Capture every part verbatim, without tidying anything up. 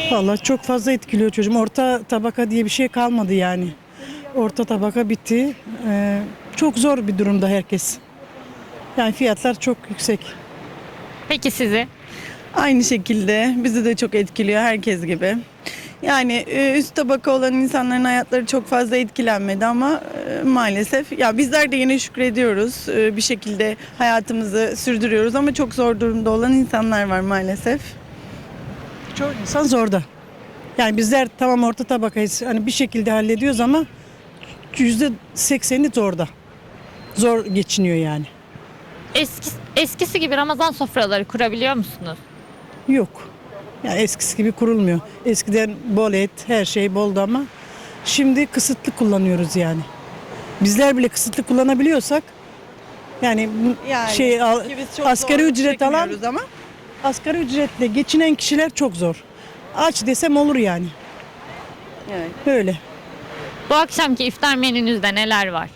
Vallahi çok fazla etkiliyor çocuğum. Orta tabaka diye bir şey kalmadı yani. Orta tabaka bitti. Ee, çok zor bir durumda herkes. Yani fiyatlar çok yüksek. Peki sizi? Aynı şekilde bizi de çok etkiliyor herkes gibi. Yani e, üst tabaka olan insanların hayatları çok fazla etkilenmedi ama e, maalesef ya bizler de yine şükrediyoruz. E, Bir şekilde hayatımızı sürdürüyoruz ama çok zor durumda olan insanlar var maalesef. Çok insan zorda. Yani bizler tamam orta tabakayız. Hani bir şekilde hallediyoruz ama yüzde sekseni zorda. Zor geçiniyor yani. Eski, eskisi gibi Ramazan sofraları kurabiliyor musunuz? Yok. Yani eskisi gibi kurulmuyor. Eskiden bol et, her şey boldu ama şimdi kısıtlı kullanıyoruz yani. Bizler bile kısıtlı kullanabiliyorsak yani, bu Yani şey al- ki biz çok asgari zorluk ücret alan çekmiyoruz ama asgari ücretle geçinen kişiler çok zor. Aç desem olur yani. evet. Böyle. Bu akşamki iftar menünüzde neler var?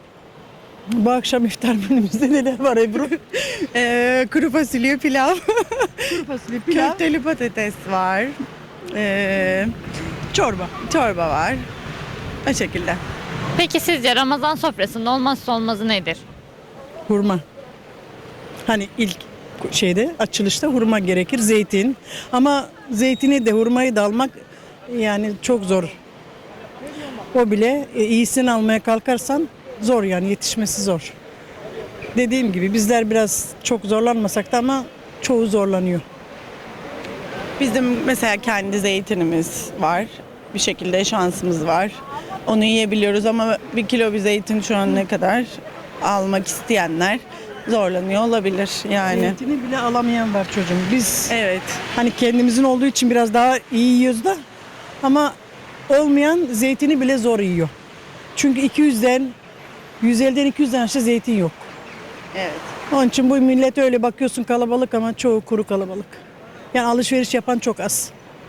Bu akşam iftar menümüzde neler var Ebru? E, kuru fasulye pilav, Kuru fasulye, pilav, köfteli patates var, e, çorba. çorba var. O şekilde. Peki sizce Ramazan sofrasının olmazsa olmazı nedir? Hurma. Hani ilk şeyde açılışta hurma gerekir, zeytin. Ama zeytini de hurmayı da almak yani çok zor. O bile e, iyisini almaya kalkarsan zor yani yetişmesi zor. Dediğim gibi bizler biraz çok zorlanmasak da ama çoğu zorlanıyor. Bizim mesela kendi zeytinimiz var. Bir şekilde şansımız var. Onu yiyebiliyoruz ama bir kilo bir zeytin şu an ne kadar almak isteyenler zorlanıyor olabilir yani. Zeytini bile alamayan var çocuğum. Biz Evet. hani kendimizin olduğu için biraz daha iyi yiyoruz da ama olmayan zeytini bile zor yiyor. Çünkü iki yüzden yüz elliden iki yüzden aşağı zeytin yok. Evet. Onun için bu millet öyle bakıyorsun kalabalık ama çoğu kuru kalabalık. Yani alışveriş yapan çok az.